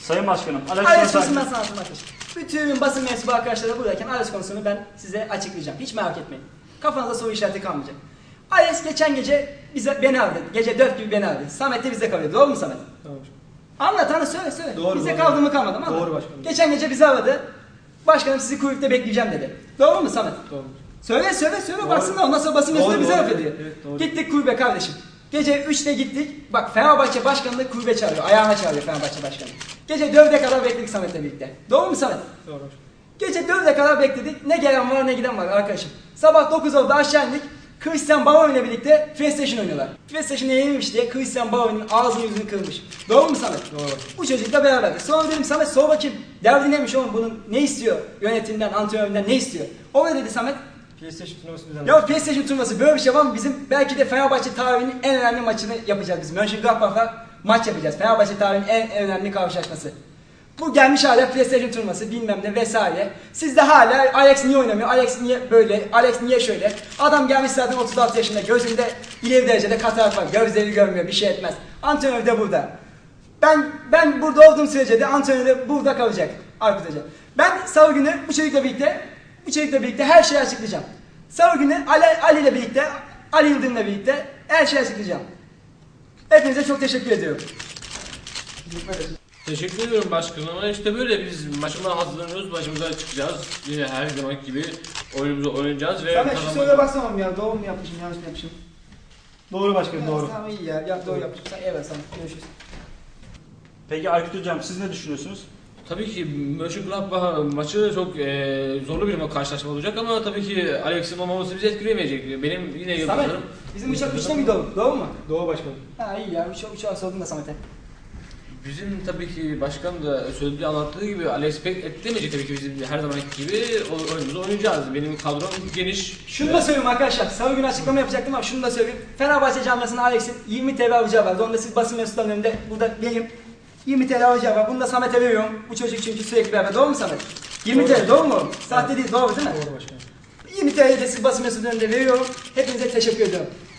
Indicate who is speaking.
Speaker 1: Sayın Başkanım,
Speaker 2: Alex konusundan sana atmak için. Bütün basın mensubu arkadaşları buradayken Alex konusunu ben size açıklayacağım. Hiç merak etmeyin. Kafanızda soru işareti kalmayacak. Alex geçen gece beni aradı. Gece 4 gibi beni aradı. Samet de bizde kalıyor. Doğru mu Samet?
Speaker 3: Tamam.
Speaker 2: Söyle.
Speaker 3: Doğru,
Speaker 2: bize
Speaker 3: doğru.
Speaker 2: kaldı mı kalmadı mı?
Speaker 3: Doğru başkanım.
Speaker 2: Geçen gece bizi aradı. Başkanım sizi kuyrukta bekleyeceğim dedi. Doğru mu Samet?
Speaker 3: Doğru.
Speaker 2: Söyle
Speaker 3: Doğru.
Speaker 2: baksınlar ondan sonra basın mensupları bize
Speaker 3: Doğru,
Speaker 2: laf ediyor.
Speaker 3: evet, doğru.
Speaker 2: Gittik kulübe kardeşim. Gece 3'te gittik. Bak Fenerbahçe Başkanı da kulübe çağırıyor. Ayağına çağırıyor Fenerbahçe Başkanı. Gece 4'e kadar bekledik Samet'le birlikte. Doğru mu Samet?
Speaker 3: Doğru başkanım.
Speaker 2: Gece 4'e kadar bekledik. Ne gelen var ne giden var arkadaşım. Sabah 9'da aşağı indik. Christian Bauer ile birlikte PlayStation oynuyorlar. PlayStation'a yenilmiş diye Christian Bauer'ın ağzını yüzünü kırmış. Doğru mu Samet?
Speaker 3: Doğru.
Speaker 2: Bu çocukla beraberdik. Sonra dedim Samet sor bakayım. Derdi neymiş oğlum bunun ne istiyor? Yönetimden, antrenöründen ne istiyor? O ne dedi Samet?
Speaker 3: PlayStation turnuvası düzenledik.
Speaker 2: Ya PlayStation turnuvası böyle bir şey var mı? Bizim belki de Fenerbahçe tarihinin en önemli maçını yapacağız biz. Mönchengladbach'la maç yapacağız. Fenerbahçe tarihinin en önemli karşılaşması. Bu gelmiş hala PlayStation turnuvası bilmem ne vesaire. Siz de hala Alex niye oynamıyor? Alex niye böyle? Alex niye şöyle? Adam gelmiş zaten 36 yaşında. Gözünde ileri derecede katarak var. Gözleri görmüyor. Bir şey etmez. Antrenör de burada. Ben burada olduğum sürece de antrenör de burada kalacak. Aykut Hoca. Ben salı günü bu çocukla birlikte her şeyi açıklayacağım. Salı günü Ali ile birlikte, Ali Yıldırım'la birlikte her şeyi açıklayacağım. Hepinize çok teşekkür ediyorum.
Speaker 4: Teşekkür ediyorum başkanım ama işte böyle biz maçımıza hazırlanıyoruz, maçımıza çıkacağız. Yine her zaman gibi oyunumuzu oynayacağız ve
Speaker 2: Samet şu soruya baksamam ya. Doğru mu yapmışım, yanlış mı yapmışım?
Speaker 3: Doğru başkanım, doğru.
Speaker 2: Tamam iyi ya. Doğru yapmışım. Evet Samet. Görüşürüz.
Speaker 1: Peki Aykut Hocam siz ne düşünüyorsunuz?
Speaker 4: Tabii ki Mönchengladbach maçı çok zorlu bir karşılaşma olacak ama tabii ki Alex'in olmaması bizi etkileyemeyecek. Benim yine
Speaker 2: Samet,
Speaker 4: yıldızlarım.
Speaker 2: bizim uçak uçta mıydı oğlum? Doğru mu?
Speaker 3: Doğru başkanım.
Speaker 2: Ha iyi ya. Uçağı sordum da Samet'e.
Speaker 4: Bizim tabii ki başkan da söylediği anlattığı gibi Alex pek etkilemeyecek tabii ki bizim her zamanki gibi oyunumuzu oynayacağız. Benim kadrom geniş.
Speaker 2: Şunu da söyleyeyim arkadaşlar. Salı günü açıklama yapacaktım ama şunu da söyleyeyim. Fenerbahçe camiasında Alex'in 20 TL alacağı var. Onu da siz basın mensuplarının önünde burada vereyim. 20 TL alacağı var. Bunu da Samet'e veriyorum. Bu çocuk çünkü sürekli beraber. Doğru mu Samet? 20 TL doğru mu? Sahte değil doğru değil mi?
Speaker 3: Doğru başkanım.
Speaker 2: 20 TL'yi de siz basın mensuplarının önünde veriyorum. Hepinize teşekkür ediyorum.